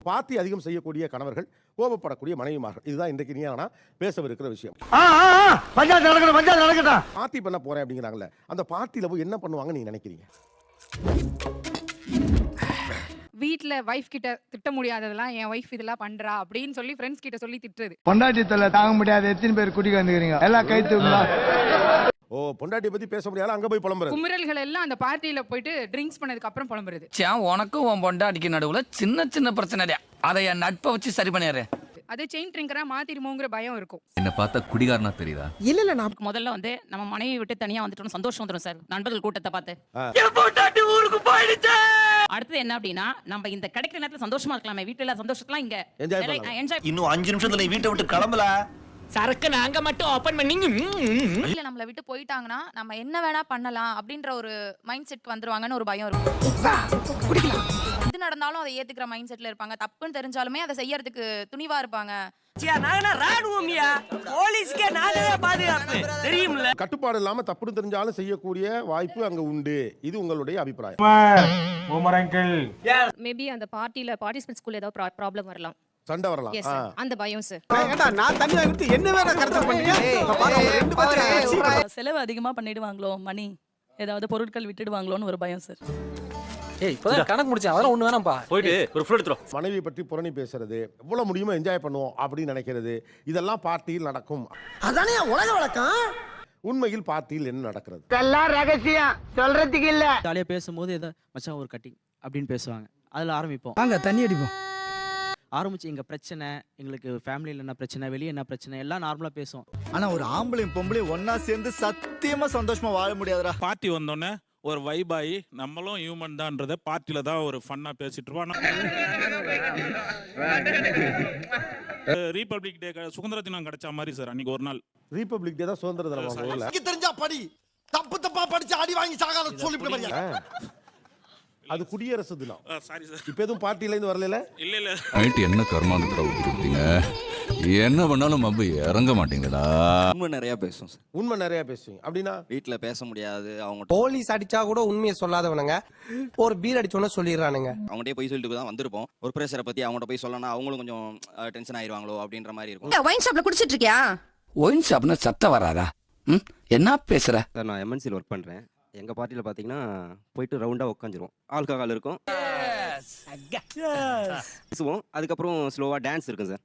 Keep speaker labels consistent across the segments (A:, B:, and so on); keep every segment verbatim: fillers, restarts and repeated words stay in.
A: Party அதிகம் செய்யக்கூடிய கணவர்கள், கோபப்படக்கூடிய மனைவிமார்கள். இதுதான் இன்றைக்கு நீ ஆனா பேசவிருக்கிற விஷயம். பார்ட்டி பண்ண போறேன் அப்படிங்கிறாங்கல்ல, அந்த பார்ட்டியில போய் என்ன பண்ணுவாங்க நீங்க நினைக்கிறீங்க?
B: வீட்ல வைஃப் கிட்ட திட்ட முடியாததெல்லாம் என் வைஃப் இதெல்லாம் பண்றா அப்படின்னு சொல்லி ஃப்ரெண்ட்ஸ் கிட்ட சொல்லி திட்டுறது.
C: பொண்டாட்டி தொல்லை தாங்க முடியாது, எத்தனை பேர் குடிக்க வந்துக்கிறீங்க, எல்லாம் கை தூக்குங்களா?
A: ஓ, பொண்டாட்டியை பத்தி பேச முடியாது, அங்க போய் புலம்புறது.
B: குமுறல்கள் எல்லாம் அந்த பார்ட்டியில போயிட்டு ட்ரிங்க்ஸ் பண்ணதுக்கு அப்புறம் புலம்புறது.
D: உனக்கும் உன் பொண்டாட்டிக்கு நடுவுல சின்ன சின்ன பிரச்சனை, அதை என் நட்பை வச்சு சரி பண்ணிடுறேன்.
B: அதே செயின் ட்ரிங்கரா மாத்திருமோங்கிற பயம் இருக்கும்.
E: என்ன பார்த்தா குடிகாரனா தெரியுதா?
F: இல்ல இல்ல, நான்
G: முதல்ல வந்து நம்ம மனைவி விட்டு தனியா வந்துட்டோம், சந்தோஷம் வந்துடும் சார் நண்பர்கள் கூட்டத்தை பார்த்து. அடுத்தது என்ன அப்படின்னா, நம்ம இந்த கிடைக்கிற நேரத்துல சந்தோஷமா இருக்கலாமே, வீட்டுல சந்தோஷத்தெல்லாம் இங்க என்ஜாய்.
H: இன்னும் அஞ்சு நிமிஷத்துல வீட்டை விட்டு கிளம்பல,
G: சரக்கு நாங்க மட்டும் ஓபன் பண்ணி
I: இல்ல நம்மள விட்டு போயிட்டாங்கன்னா நம்ம என்ன வேணா பண்ணலாம் அப்படின்ற ஒரு மைண்ட் செட் வந்துருவாங்கன்னு ஒரு பயம் இருக்கும். எது நடந்தாலும் அதை ஏத்துக்கிற மைண்ட் செட்ல இருப்பாங்க. தப்புன்னு தெரிஞ்சாலுமே அதை செய்யறதுக்கு துணிவா இருப்பாங்க.
A: கட்டுப்பாடு இல்லாம தப்புன்னு தெரிஞ்சாலும் செய்யக்கூடிய வாய்ப்பு அங்க உண்டு. இது உங்களுடைய அபிப்பிராயம்?
I: மேபி அந்த பார்ட்டில பார்ட்டிசிபென்ட்ஸ்க்குள்ள ஏதாவது ப்ராப்ளம் வரலாம்,
A: சண்டை வரலாம்,
I: அந்த பயம் சார்.
F: நான் தண்ணி வாங்கிட்டு என்ன வேற கரெக்டா பண்ணீங்க?
G: செலவு அதிகமா பண்ணிடுவாங்களோ, மணி ஏதாவது பொருட்கள் விட்டுடுவாங்களோன்னு ஒரு பயம் சார்.
D: ஏய், இப்போதான் கணக்கு முடிச்சேன், அதெல்லாம் ஒண்ணு வேணாம்பா.
H: போயிட்டு ஒரு ஃபுல் எடுத்துறோம்.
A: மனைவி பற்றி புரணி பேசுறது, எவ்வளவு முடியுமோ என்ஜாய் பண்ணுவோம் அப்படின்னு நினைக்கிறது, இதெல்லாம் பார்ட்டியில் நடக்கும்.
F: அதானே உலக வழக்கம்.
A: உண்மையில் பார்ட்டியில் என்ன நடக்கிறது?
F: இதெல்லாம் ரகசியம், சொல்றதுக்கு இல்ல.
J: ஜாலியா பேசும்போது ஏதோ மச்சான் ஒரு கட்டிங் அப்படின்னு பேசுவாங்க, அதுல ஆரம்பிப்போம்.
F: வாங்க தண்ணி அடிப்போம்.
J: ஆரம்பிச்சு எங்க பிரச்சனை, எங்களுக்கு ஃபேமிலியில் என்ன பிரச்சனை, வெளியே என்ன பிரச்சனை, எல்லாம் நார்மலா பேசுவோம்.
H: ஆனா ஒரு ஆம்பளையும் பொம்பளையும் ஒன்னா சேர்ந்து சத்தியமா சந்தோஷமா வாழ முடியாதுடா.
K: பார்ட்டி வந்தோடனே ஒரு வைப் ஆகி நம்மளும் ஹியூமன் தான்றத பார்ட்டியில தான் ஒரு ஃபன்னா பேசிட்டு இருப்போம். ரீபப்ளிக் டே சுதந்திர தினம் கிடைச்ச மாதிரி சார் அன்னைக்கு ஒரு நாள்.
A: ரிபப்ளிக் டே தான் சுதந்திர தினம்.
F: தெரிஞ்சா படி, தப்பு தப்பா படிச்சு அடி வாங்கி சாகாத சொல்லிட்டு.
A: அது குடியரசு தினம்.
K: Sorry sir.
A: இப்ப எதுவும் பார்ட்டில இருந்து வரல?
K: இல்ல இல்ல.
E: நைட்டு என்ன கர்மாந்திர ஊத்திட்டீங்க, என்ன பண்ணாலும் அப்படி இறங்க மாட்டீங்களா?
H: உண்மை நிறைய பேசும் சார்.
A: உண்மை நிறைய பேசுவீங்க அப்படின்னா?
H: வீட்டுல பேச முடியாது, அவங்க
F: போலீஸ் அடிச்சா கூட உண்மையை சொல்லாதவனுங்க ஒரு பீர் அடிச்சோன்னு சொல்லிடுறானுங்க.
H: அவங்ககிட்ட போய் சொல்லிட்டு தான் வந்திருப்போம். ஒரு பிரஷரை பத்தி அவங்ககிட்ட போய் சொல்லணும், அவங்களும் கொஞ்சம் டென்ஷன் ஆயிருவாங்களோ அப்படின்ற மாதிரி இருக்கும்.
I: ஒயின் ஷாப்ல குடிச்சிட்டு இருக்கியா?
D: ஒயின் ஷாப்னா சத்தம் வராதா? என்ன பேசுற
H: சார்? நான் எம்என்சியில் ஒர்க் பண்றேன். எங்க பார்ட்டியில பாத்தீங்கன்னா போயிட்டு ரவுண்டா உட்காந்துருவோம், ஆல்கஹால் இருக்கும், பேசுவோம், அதுக்கப்புறம் ஸ்லோவா டான்ஸ் இருக்கும் சார்.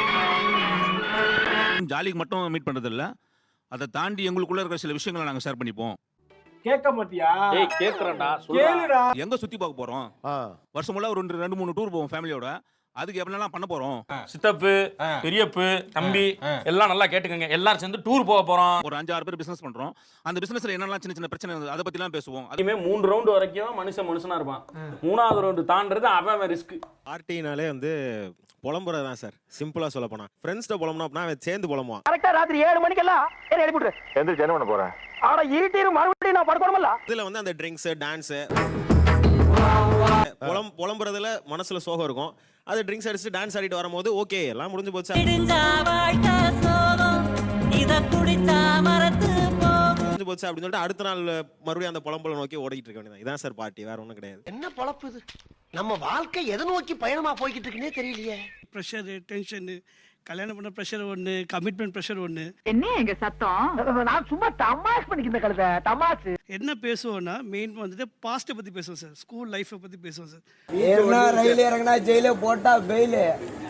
K: ஜாலிக்கு மட்டும் மீட் பண்றது இல்ல, அதை தாண்டி எங்களுக்குள்ள இருக்கிற சில விஷயங்களை நாங்க ஷேர் பண்ணிப்போம்.
C: கேட்க மாட்டியா?
K: ஏய் கேக்குறேன்டா, சொல்லுடா. எங்க சுத்தி பார்க்க போறோம்? வருஷம் முழுக்க ஒரு ரெண்டு மூணு டூர் போவோம் ஃபேமிலியோட. அதுக்கு எப்படிலாம் பண்ண போறோம்?
L: சித்தப்பு, பெரியப்பு, தம்பி எல்லாம் நல்லா கேட்டுக்கங்க, எல்லாரும் சேர்ந்து டூர் போக போறோம்.
K: ஒரு அஞ்சு ஆறு பேர் பிசினஸ் பண்றோம். அந்த பிசினஸ்ல என்னெல்லாம் சின்ன சின்ன பிரச்சனை இருந்தது அதை பத்தி எல்லாம் பேசுவோம்.
L: அதுமே மூணு ரவுண்ட் வரைக்கும் மனுஷன் மனுஷனா இருப்பான். மூணாவது ரவுண்டு தாண்டறது அவன் ரிஸ்க்.
H: பார்ட்டினாலே வந்து புலம்புறது தான் சார். சிம்பிளா சொல்ல போனா ஃப்ரெண்ட்ஸ்ட புலம்புனா அப்படின்னா அவன் சேர்ந்து புலம்புவான்.
F: கரெக்டா ராத்திரி ஏழு மணிக்கெல்லாம் என்ன எழுப்பி விட்டுரு.
H: எந்திரிச்சு என்ன பண்ண போறேன்?
F: ஆனா இருட்டிரும் மறுபடியும் நான் படுக்கணும்ல.
H: இதுல வந்து அந்த ட்ரிங்க்ஸ், டான்ஸ், புலம் புலம்புறதுல மனசுல சோகம் இருக்கும். அது ட்ரிங்க்ஸ் அடிச்சு டான்ஸ் ஆடிட்டு வரும்போது ஓகே எல்லாம் முடிஞ்சு போச்சு முடிஞ்சு போச்சு அப்படின்னு சொல்லிட்டு அடுத்த நாள் மறுபடியும் அந்த புலம்புல நோக்கி ஓடிட்டு இருக்க வேண்டியது. இதான் சார் பார்ட்டி, வேற ஒன்றும் கிடையாது.
F: என்ன பொழப்பு இது? நம்ம வாழ்க்கை எதை நோக்கி பயணமா போய்கிட்டு இருக்குன்னே தெரியலையே.
C: ப்ரெஷர், டென்ஷன், கல்யாணம் பண்ண ப்ரெஷர் ஒன்று, கமிட்மெண்ட் ப்ரெஷர் ஒன்று.
I: என்ன எங்க சத்தம்?
F: நான் சும்மா தமாஷ் பண்ணிக்கிற கழுத தமாஷ்.
C: என்ன பேசுவோம்னா மெயின் வந்துட்டு பாஸ்ட்டை பத்தி பேசுவோம் சார், ஸ்கூல் லைஃப்பை பத்தி பேசுவோம் சார்.
F: ஏறனா ரயில் இறங்கினா ஜெயில போட்டா பெயில்,